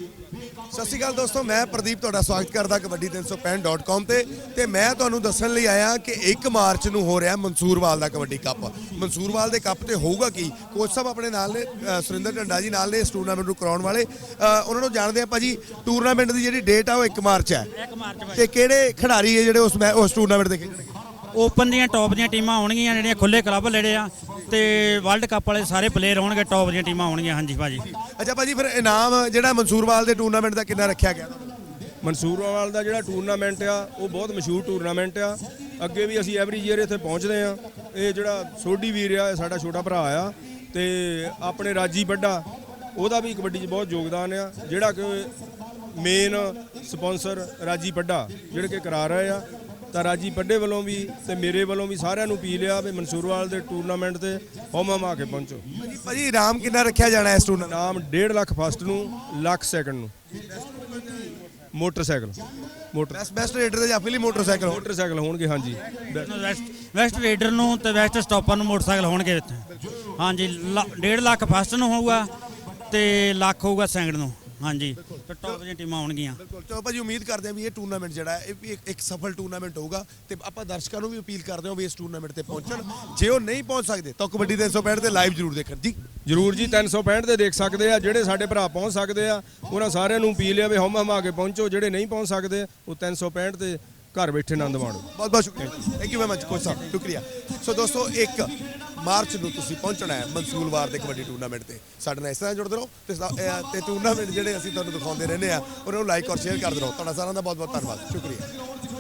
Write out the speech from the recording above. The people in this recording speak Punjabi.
ਸਤਿ ਸ਼੍ਰੀ ਅਕਾਲ ਦੋਸਤੋ, ਮੈਂ ਪ੍ਰਦੀਪ ਤੁਹਾਡਾ ਸਵਾਗਤ ਕਰਦਾ kabaddi365.com ਤੇ ਮੈਂ ਤੁਹਾਨੂੰ ਦੱਸਣ ਲਈ ਆਇਆ ਕਿ 1 ਮਾਰਚ ਨੂੰ ਹੋ ਰਿਹਾ ਮਨਸੂਰਵਾਲ ਦਾ ਕਬੱਡੀ ਕੱਪ। ਮਨਸੂਰਵਾਲ ਦੇ ਕੱਪ ਤੇ ਹੋਊਗਾ ਕੀ, ਕੋਚ ਸਾਹਿਬ ਆਪਣੇ ਨਾਲ ਨੇ, ਸੁਰਿੰਦਰ ਢੰਡਾ ਜੀ ਨਾਲ ਨੇ ਇਸ ਟੂਰਨਾਮੈਂਟ ਨੂੰ ਕਰਾਉਣ ਵਾਲੇ। ਉਹਨਾਂ ਨੂੰ ਜਾਣਦੇ ਆ ਭਾਜੀ, ਟੂਰਨਾਮੈਂਟ ਦੀ ਜਿਹੜੀ ਡੇਟ ਆ ਉਹ 1 ਮਾਰਚ ਹੈ। 1 ਮਾਰਚ ਤੇ ਕਿਹੜੇ ਖਿਡਾਰੀ ਹੈ ਜਿਹੜੇ ਉਸ ਟੂਰਨਾਮੈਂਟ ਦੇ ਖੇਡਣਗੇ? ਓਪਨ ਦੀਆਂ ਟੌਪ ਦੀਆਂ ਟੀਮਾਂ ਆਉਣਗੀਆਂ, ਜਿਹੜੀਆਂ ਖੁੱਲੇ ਕਲੱਬ ਲੜੇ ਆ, ਤੇ ਵਰਲਡ ਕੱਪ ਵਾਲੇ ਸਾਰੇ ਪਲੇਅਰ ਆਉਣਗੇ, ਟੌਪ ਦੀਆਂ ਟੀਮਾਂ ਆਉਣਗੀਆਂ। ਹਾਂਜੀ ਭਾਜੀ। ਅੱਛਾ ਭਾਜੀ, ਫਿਰ ਇਨਾਮ ਜਿਹੜਾ ਮਨਸੂਰਵਾਲ ਦੇ ਟੂਰਨਾਮੈਂਟ ਦਾ ਕਿੰਨਾ ਰੱਖਿਆ ਗਿਆ? ਮਨਸੂਰਵਾਲ ਦਾ ਜਿਹੜਾ ਟੂਰਨਾਮੈਂਟ ਆ ਉਹ ਬਹੁਤ ਮਸ਼ਹੂਰ ਟੂਰਨਾਮੈਂਟ ਆ। ਅੱਗੇ ਵੀ ਅਸੀਂ ਐਵਰੀ ਈਅਰ ਇੱਥੇ ਪਹੁੰਚਦੇ ਆ। ਇਹ ਜਿਹੜਾ ਸੋਢੀ ਵੀਰ ਆ, ਇਹ ਸਾਡਾ ਛੋਟਾ ਭਰਾ ਆ, ਤੇ ਆਪਣੇ ਰਾਜੀ ਵੱਡਾ ਉਹਦਾ ਵੀ ਕਬੱਡੀ 'ਚ ਬਹੁਤ ਯੋਗਦਾਨ ਆ। ਜਿਹੜਾ ਕਿ ਮੇਨ ਸਪਾਂਸਰ ਰਾਜੀ ਵੱਡਾ ਜਿਹੜੇ ਕਿ ਕਰਾ ਰਹੇ ਆ, ਤਾਂ ਰਾਜੀ ਵੱਡੇ ਵੱਲੋਂ ਵੀ ਤੇ ਮੇਰੇ ਵੱਲੋਂ ਵੀ ਸਾਰਿਆਂ ਨੂੰ ਅਪੀਲ ਆ ਵੀ ਮਨਸੂਰਵਾਲ ਦੇ ਟੂਰਨਾਮੈਂਟ ਤੇ ਹਮਾ ਕੇ ਪਹੁੰਚੋ। ਭਾਜੀ ਇਨਾਮ ਕਿੰਨਾ ਰੱਖਿਆ ਜਾਣਾ ਇਸ ਟੂਰਨਾਮੈਂਟ? ਨਾਮ 1.5 ਲੱਖ ਫਸਟ ਨੂੰ, ਲੱਖ ਸੈਕਿੰਡ ਨੂੰ। ਮੋਟਰਸਾਈਕਲ ਬੈਸਟ ਰੇਡਰ ਦੇ ਜਾਂ ਫਿਲੀ ਮੋਟਰਸਾਈਕਲ ਹੋਣਗੇ। ਹਾਂਜੀ, ਵੈਸਟ ਰੇਡਰ ਨੂੰ ਤੇ ਵੈਸਟ ਸਟਾਪਰ ਨੂੰ ਮੋਟਰਸਾਈਕਲ ਹੋਣਗੇ ਇੱਥੇ। ਹਾਂਜੀ, 1.5 ਲੱਖ ਫਸਟ ਨੂੰ ਹੋਊਗਾ ਤੇ ਲੱਖ ਹੋਊਗਾ ਸੈਕਿੰਡ ਨੂੰ। ਹਾਂਜੀ, ਤੇ ਟੌਪ ਦੀਆਂ ਟੀਮਾਂ ਆਉਣਗੀਆਂ। ਚਲੋ ਭਾਜੀ, ਉਮੀਦ ਕਰਦੇ ਹਾਂ ਵੀ ਇਹ ਟੂਰਨਾਮੈਂਟ ਜਿਹੜਾ ਇਹ ਵੀ ਇੱਕ ਸਫਲ ਟੂਰਨਾਮੈਂਟ ਹੋਊਗਾ, ਤੇ ਆਪਾਂ ਦਰਸ਼ਕਾਂ ਨੂੰ ਵੀ ਅਪੀਲ ਕਰਦੇ ਹਾਂ ਵੀ ਇਸ ਟੂਰਨਾਮੈਂਟ ਤੇ ਪਹੁੰਚਣ। ਜੇ ਉਹ ਨਹੀਂ ਪਹੁੰਚ ਸਕਦੇ ਤਾਂ ਕਬੱਡੀ 365 ਤੇ ਲਾਈਵ ਜ਼ਰੂਰ ਦੇਖਣ। ਜੀ ਜ਼ਰੂਰ ਜੀ, 365 ਤੇ ਦੇਖ ਸਕਦੇ ਆ। ਜਿਹੜੇ ਸਾਡੇ ਭਰਾ ਪਹੁੰਚ ਸਕਦੇ ਆ ਉਹਨਾਂ ਸਾਰਿਆਂ ਨੂੰ ਅਪੀਲ ਆ ਵੀ ਹਮਾ ਕੇ ਪਹੁੰਚੋ। ਜਿਹੜੇ ਨਹੀਂ ਪਹੁੰਚ ਸਕਦੇ ਉਹ 365 ਤੇ ਘਰ ਬੈਠੇ ਆਨੰਦ ਮਾਣੋ। ਬਹੁਤ ਬਹੁਤ ਸ਼ੁਕਰੀਆ, thank you very much coach ਸਾਹਿਬ, ਸ਼ੁਕਰੀਆ। ਸੋ ਦੋਸਤੋ, 1 ਮਾਰਚ ਨੂੰ ਤੁਸੀਂ ਪਹੁੰਚਣਾ ਹੈ ਮਨਸੂਰਵਾਲ ਦੇ ਕਬੱਡੀ ਟੂਰਨਾਮੈਂਟ ਤੇ। ਸਾਡੇ ਨਾਲ ਇਸ ਤਰ੍ਹਾਂ ਜੁੜਦੇ ਰਹੋ ਤੇ ਟੂਰਨਾਮੈਂਟ ਜਿਹੜੇ ਅਸੀਂ ਤੁਹਾਨੂੰ ਦਿਖਾਉਂਦੇ ਰਹਿੰਦੇ ਆ ਉਹਨਾਂ ਨੂੰ ਲਾਈਕ ਔਰ ਸ਼ੇਅਰ ਕਰਦੇ ਰਹੋ। ਤੁਹਾਡਾ ਸਾਰਿਆਂ ਦਾ ਬਹੁਤ ਬਹੁਤ ਧੰਨਵਾਦ, ਸ਼ੁਕਰੀਆ।